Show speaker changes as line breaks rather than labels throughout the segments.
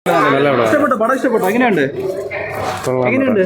ഇഷ്ടപ്പെട്ടോ? പടം ഇഷ്ടപ്പെട്ടോ? എങ്ങനെയുണ്ട്? എങ്ങനെയുണ്ട്?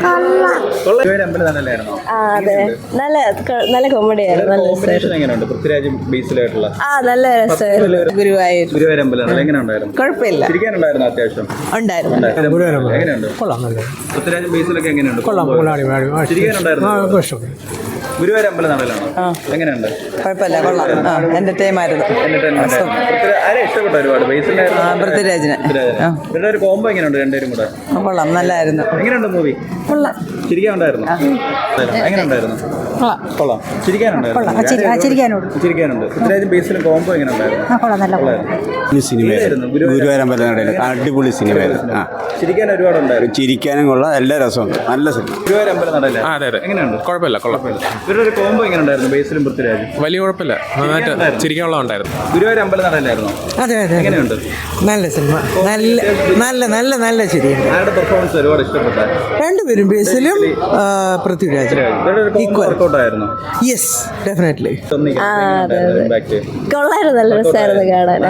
അതെ, നല്ല കോമഡിയായിരുന്നു.
കോമ്പിനേഷൻ എങ്ങനെയുണ്ട്? പൃഥ്വിരാജും ബേസിലായിട്ടുള്ള
നല്ല രസമായിരുന്നു.
ഗുരുവായൂർ അമ്പലം എങ്ങനെയുണ്ടായിരുന്നു?
കുഴപ്പമില്ല,
ചിരിക്കാനുണ്ടായിരുന്നു അത്യാവശ്യം.
ഉണ്ടായിരുന്നു.
എങ്ങനെയുണ്ട്? പൃഥ്വിരാജും ബേസിലൊക്കെ എങ്ങനെയുണ്ട്? ചിരിക്കാനുണ്ടായിരുന്നു. ഗുരുവായൂർ അമ്പലം നടയിലാണോ? എങ്ങനെയുണ്ട്?
കുഴപ്പമില്ല, കൊള്ളാം. എന്റർടൈൻമെന്റ്
ആരെ ഇഷ്ടപ്പെട്ടു? ഒരുപാട്
പൃഥ്വിരാജിന്
ഇവരുടെ ഒരു കോംബോ എങ്ങനെയുണ്ട്? രണ്ടുപേരും കൂടെ
കൊള്ളാം, നല്ലായിരുന്നു.
എങ്ങനെയുണ്ട് മൂവി?
കൊള്ളാം.
ചിരിക്കാനുണ്ടായിരുന്നു? എങ്ങനെയുണ്ടായിരുന്നു? കൊള്ളാം. ചിരിക്കാനുണ്ട്. പൃഥ്വിരാജും ബേസിലും കോംബോ എങ്ങനെ ഉണ്ടായിരുന്നു?
സിനിമയായിരുന്നു ഗുരുവായൂർ അമ്പലം നടയിൽ. അടിപൊളി സിനിമയായിരുന്നു.
ചിരിക്കാൻ ഒരുപാട് ഉണ്ടായിരുന്നു.
ചിരിക്കാനും കൊള്ളാം, എല്ലാ രസമുണ്ട്. നല്ല സിനിമ.
ഗുരുവായൂർ അമ്പലം നടയില്ല? എങ്ങനെയുണ്ട്?
കുഴപ്പമില്ല, കൊള്ളാം.
ഇവരുടെ ഒരു കോംബോ എങ്ങനെ ഉണ്ടായിരുന്നു? ബേസിലും പൃഥ്വിരാജും
വലിയ കുഴപ്പമില്ല, നന്നായിട്ട് ചിരിക്കാനുള്ള ഉണ്ടായിരുന്നു.
ഗുരുവായൂർ അമ്പലം നടയിലായിരുന്നു?
അതെ അതെ,
എങ്ങനെയുണ്ട്?
നല്ല സിനിമ. നല്ല ശരിയാണ്.
ആരുടെ പെർഫോമൻസ് ഒരുപാട് ഇഷ്ടപ്പെട്ട?
രണ്ടുപേരും, ബേസിലും പൃഥ്വിരാജ്.
വർക്കൗട്ടായിരുന്നു?
Yes, definitely.
കൊള്ളായിരുന്നു, നല്ല രസമായിരുന്നു കാണാൻ.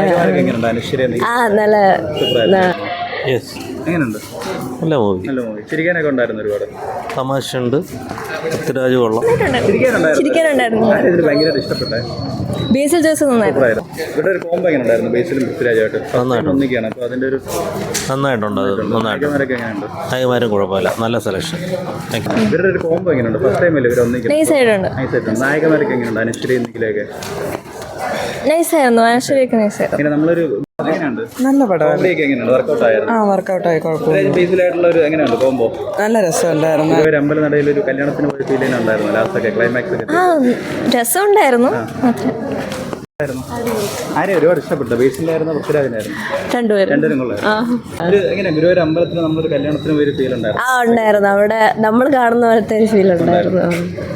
നല്ല
എങ്ങനെയുണ്ട്?
നല്ല മൂവി.
നല്ല മൂവി. ചിരിക്കാനൊക്കെ ഉണ്ടായിരുന്നു ഒരുപാട്.
തമാശയുണ്ട്. പൃഥ്വിരാജ് കൊള്ളാം.
ചിരിക്കാനുണ്ടായിരുന്നു.
ഭയങ്കര ഇഷ്ടപ്പെട്ടെ
ബേസിൽ ജോസ് നന്നായിരുന്നു.
ഇവിടെ ഒരു കോംബോ എങ്ങനെ ഉണ്ടായിരുന്നു? ബേസിലും പൃഥ്വിരാജായിട്ട് ഒന്നിക്കാണ്. അപ്പൊ അതിന്റെ ഒരു
നന്നായിട്ടുണ്ട്. അത് നന്നായിട്ട്.
എങ്ങനെയുണ്ട്?
നായകന്മാരും കുഴപ്പമില്ല, നല്ല സെലക്ഷൻ.
ഇവരുടെ ഒരു കോംബോ എങ്ങനെയുണ്ട്? ഫസ്റ്റ് ടൈം അല്ലേ ഇവർ ഒന്നിക്കുന്നത്?
നൈസായിട്ടുണ്ട്.
നായകന്മാരൊക്കെ എങ്ങനെയുണ്ട്? അനുശ്രീ എന്തെങ്കിലുമൊക്കെ
നൈസായിരുന്നു. അനുശ്വരിയൊക്കെ നൈസായിരുന്നു.
ഇങ്ങനെ നമ്മളൊരു എങ്ങനെയുണ്ട്?
നല്ല പടം.
എങ്ങനെയുണ്ട്? വർക്കൗട്ട് ആയിരുന്നു?
വർക്കൗട്ടായി, കുഴപ്പമില്ല.
ബേസിലായിട്ടുള്ള ഒരു എങ്ങനെയുണ്ട് കോംബോ?
നല്ല രസമുണ്ടായിരുന്നു.
ഒരു അമ്പലം നടയിൽ ഒരു കല്യാണത്തിന് പോയ ഫീലിംഗ് ഉണ്ടായിരുന്നു. ലാസ്റ്റ് ഒക്കെ ക്ലൈമാക്സ് ഒക്കെ
രസമുണ്ടായിരുന്നു.
ആരെയും ഒരുപാട് ഇഷ്ടപ്പെട്ടു? ബേസിലായിരുന്നു പൃഥ്വിരാജിനായിരുന്നു?
രണ്ടുപേരും
കൊള്ളാം. എങ്ങനെ ഗുരുവായൂർ അമ്പലത്തിന് നമ്മളൊരു കല്യാണത്തിന് പോയി ഫീൽ ഉണ്ടായിരുന്നു?
ഉണ്ടായിരുന്നു. അവിടെ നമ്മൾ കാണുന്ന പോലത്തെ ഒരു ഫീൽ ഉണ്ടായിരുന്നു.